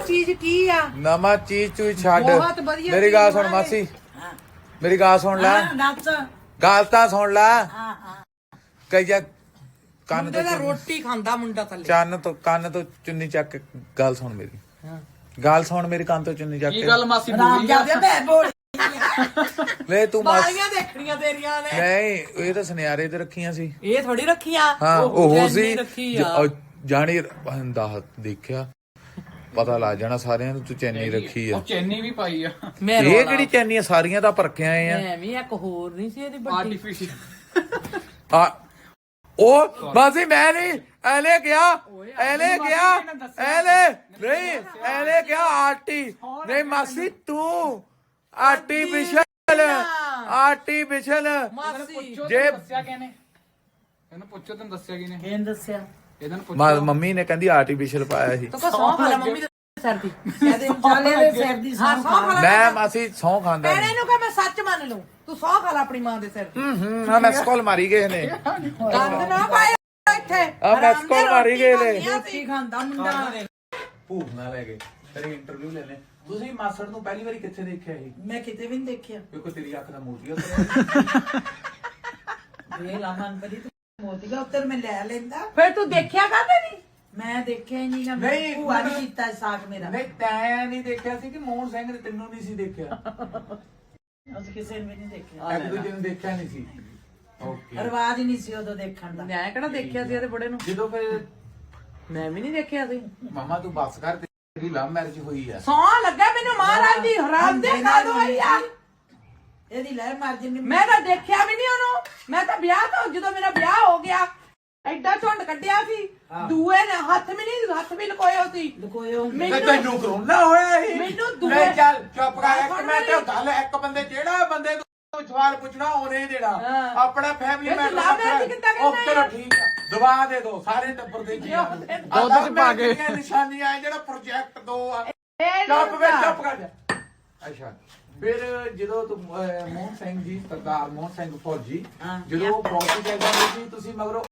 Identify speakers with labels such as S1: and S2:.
S1: ਚੀਜ਼ ਕੀ ਆ
S2: ਨਵਾਂ ਚੀਜ਼ ਚੂਈ ਛੱਡ
S1: ਬਹੁਤ ਵਧੀਆ
S2: ਮੇਰੀ ਗੱਲ ਸੁਣ ਮਾਸੀ ਮੇਰੀ ਗੱਲ ਸੁਣ ਲੈ ਗੱਲ ਤਾਂ ਸੁਣ ਲੈ ਕਈਆ ਕੰਨ
S1: ਮੁੰਡੇ
S2: ਤੋਂ
S1: ਦਾ ਰੋਟੀ ਖਾਂਦਾ ਮੁੰਡਾ ਥੱਲੇ
S2: ਕੰਨ ਤੋਂ ਚੁੰਨੀ ਚੱਕ ਕੇ ਗੱਲ ਸੁਣ ਮੇਰੀ ਗੱਲ ਸੁਣ ਮੇਰੀ ਕੰਨ ਤੋਂ ਚੁੰਨੀ ਚੱਕ
S3: ਕੀ
S2: ਕੇ
S3: ਗੱਲ ਮਾਸੀ ਬੋਲੀ
S2: ਲੈ ਤੂੰ
S1: ਬਾਲੀਆਂ ਦੇਖਣੀਆਂ ਤੇਰੀਆਂ ਨੇ
S2: ਨਹੀਂ ਇਹ ਤਾਂ ਸੁਨਿਆਰੇ ਤੇ ਰੱਖੀਆਂ ਸੀ
S1: ਇਹ ਥੋੜੀ ਰੱਖੀਆਂ
S2: ਹਾਂ ਉਹ ਸੀ
S1: ਰੱਖੀ ਆ
S2: ਜਾਣੀ ਬੰਦਾ ਦੇਖਿਆ ਪਤਾ ਲੱਗ ਜਾਣਾ ਸਾਰਿਆਂ ਨੂੰ ਤੂੰ ਚੈਨੀ ਰੱਖੀ ਆ
S3: ਉਹ ਚੈਨੀ ਵੀ ਪਾਈ ਆ
S1: ਮੈਂ
S2: ਇਹ ਕਿਹੜੀ ਚੈਨੀ ਆ ਸਾਰੀਆਂ ਤਾਂ ਪਰਖਿਆ ਆਏ ਆ
S1: ਐਵੇਂ ਇੱਕ ਹੋਰ ਨਹੀਂ ਸੀ ਇਹਦੀ ਵੱਡੀ
S3: ਆਰਟੀਫੀਸ਼ੀਅਲ
S2: ਆ ਉਹ ਬਾਜੀ ਮੈਂ ਨਹੀਂ ਐਲੇ ਗਿਆ ਐਲੇ ਨਹੀਂ ਐਲੇ ਗਿਆ ਆਰਟੀ ਨਹੀਂ ਮਾਸੀ ਤੂੰ ਆਰਟੀਫੀਸ਼ਲ
S1: ਮਾਸੀ
S2: ਜੇ
S3: ਦੱਸਿਆ ਕਿਹਨੇ ਇਹਨੂੰ ਪੁੱਛੋ ਤੈਨੂੰ ਦੱਸਿਆ ਕਿਹਨੇ
S1: ਇਹਨ ਦੱਸਿਆ
S3: ਇਹਨਾਂ ਨੂੰ ਪੁੱਛੋ
S2: ਮੰਮੀ ਨੇ ਕਹਿੰਦੀ ਆਰਟੀਫੀਸ਼ਲ ਪਾਇਆ ਸੀ
S1: ਤੂੰ ਕੋ ਸੌਂ ਖਾ ਲੈ ਮੰਮੀ ਦੇ ਸਿਰ ਦੀ ਕਹਦੇ ਚਾਲੇ ਦੇ ਸਿਰ ਦੀ ਸੌਂ ਖਾ ਲੈ
S2: ਮੈਂ ਮਾਸੀ ਸੌਂ ਖਾਂਦਾ
S1: ਭੈਣੇ ਨੂੰ ਕਹ ਮੈਂ ਸੱਚ ਮੰਨ ਲਊ ਤੂੰ ਸੌਂ ਖਾ ਲੈ ਆਪਣੀ ਮਾਂ ਦੇ ਸਿਰ ਦੀ
S2: ਹਾਂ ਮੈਂ ਸਕੋਲ ਮਾਰੀ ਗਏ ਨੇ
S1: ਗੰਦ ਨਾ ਪਾਇਆ ਇੱਥੇ
S2: ਆ ਮੈਂ ਸਕੋਲ ਮਾਰੀ ਗਏ ਨੇ
S1: ਰੋਟੀ ਖਾਂਦਾ ਮੁੰਡਾ
S2: ਭੂਖ ਨਾ ਲੈ ਗਏ ਤੇਰੀ ਇੰਟਰਵਿਊ ਲੈ ਲੈ ਤੁਸੀਂ ਮਾਸੜ ਨੂੰ ਪਹਿਲੀ ਵਾਰੀ ਕਿੱਥੇ ਦੇਖਿਆ ਸੀ
S1: ਮੈਂ ਕਿਤੇ ਵੀ ਨਹੀਂ ਦੇਖਿਆ
S2: ਕਿਉਂਕਿ ਤੇਰੀ ਅੱਖ ਦਾ ਮੋਤੀ
S4: ਇਹ ਲਾਮਨ ਬੜੀ ਤੂੰ ਮੋਤੀਗਾ ਉੱਤਰ ਮੈਂ ਲੈ ਲੈਂਦਾ
S1: ਫਿਰ ਤੂੰ ਦੇਖਿਆ ਕਾਹਦੇ ਨਹੀਂ
S4: ਮੈਂ ਦੇਖਿਆ ਹੀ ਨਹੀਂ ਨਾ
S2: ਨਹੀਂ,
S4: ਭੂਆ ਨੇ ਕੀਤਾ ਸਾਗ ਮੇਰਾ
S2: ਨਹੀਂ ਤੈਂ ਨਹੀਂ ਦੇਖਿਆ ਸੀ ਕਿ ਮੋਹਨ ਸਿੰਘ ਨੇ ਤੈਨੂੰ ਨਹੀਂ ਸੀ ਦੇਖਿਆ
S4: ਅਸੀਂ ਕਿਸੇ ਨੇ ਵੀ ਨਹੀਂ ਦੇਖਿਆ
S2: ਇੱਕ ਦੂਜੇ ਨੂੰ ਦੇਖਿਆ ਨਹੀਂ ਸੀ ਓਕੇ
S4: ਰਿਵਾਜ ਹੀ ਨਹੀਂ ਸੀ ਉਦੋਂ ਦੇਖਣ ਦਾ
S1: ਮੈਂ ਕਿਹੜਾ ਦੇਖਿਆ ਸੀ ਇਹਦੇ ਬੜੇ ਨੂੰ
S2: ਜਦੋਂ ਫਿਰ
S1: ਮੈਂ ਵੀ ਨਹੀਂ ਦੇਖਿਆ ਸੀ
S2: ਮਾਮਾ ਤੂੰ ਬੱਸ ਕਰ ਤੇਰੀ ਲਵ ਮੈਰਿਜ ਹੋਈ ਆ
S1: ਸੌਂ ਲੱਗਾ ਮੈਨੂੰ ਮਹਾਰਾਜ ਦੀ ਹਰਾਮ ਦੇ ਕਾਦੋਂ ਆਈ ਆ
S4: ਇਹਦੀ ਲੈ ਮਰ ਜਿੰਨੀ
S1: ਮੈਂ ਤਾਂ ਦੇਖਿਆ ਵੀ ਨਹੀਂ ਉਹਨੂੰ ਮੈਂ ਤਾਂ ਵਿਆਹ ਤੋਂ ਜਦੋਂ ਮੇਰਾ ਵਿਆਹ ਹੋ ਗਿਆ ਐਡਾ ਝੁੰਡ ਕੱਢਿਆ ਸੀ ਦੂਏ ਨੇ ਹੱਥ ਵੀ ਲਕੋਏ ਹੋ ਸੀ
S4: ਲਕੋਇਓ
S1: ਮੈਨੂੰ
S2: ਤੈਨੂੰ ਕਰੋਨਾ ਹੋਇਆ ਸੀ
S1: ਮੈਨੂੰ ਦੂਏ
S2: ਨਹੀਂ ਚੱਲ ਚੁੱਪ ਕਰ ਇੱਕ ਮਿੰਟ ਗੱਲ ਇੱਕ ਬੰਦੇ ਜਿਹੜਾ ਬੰਦੇ ਨੂੰ ਸਵਾਲ ਪੁੱਛਣਾ ਉਹਨੇ ਹੀ ਦੇਣਾ ਆਪਣਾ ਫੈਮਿਲੀ
S1: ਫਿਰ ਤੂੰ
S2: ਮੈਂਬਰ
S1: love marriage ਕਿੱਦਾਂ ਕਰਨਾ
S2: ਉਹ ਚਲੋ ਠੀਕ ਆ ਦਵਾ ਦੇ ਦੋ ਸਾਰੇ ਟੱਬਰ ਦੇ ਜੀ
S3: ਦੁੱਧ ਚ ਪਾ ਕੇ
S2: ਨਿਸ਼ਾਨੀਆਂ ਆ ਜਿਹੜਾ ਪ੍ਰੋਜੈਕਟ 2 ਆ
S1: ਇਹ
S2: ਚੁੱਪ ਕਰ ਜਾ ਅੱਛਾ ਫਿਰ ਜਦੋਂ ਤੂੰ ਮੋਹਨ ਸਿੰਘ ਜੀ ਸਰਦਾਰ ਮੋਹਨ ਸਿੰਘ ਫੌਜੀ ਜਦੋਂ ਫੌਜੀ ਕਹਿੰਦਾ ਸੀ ਤੁਸੀਂ ਮਗਰੋਂ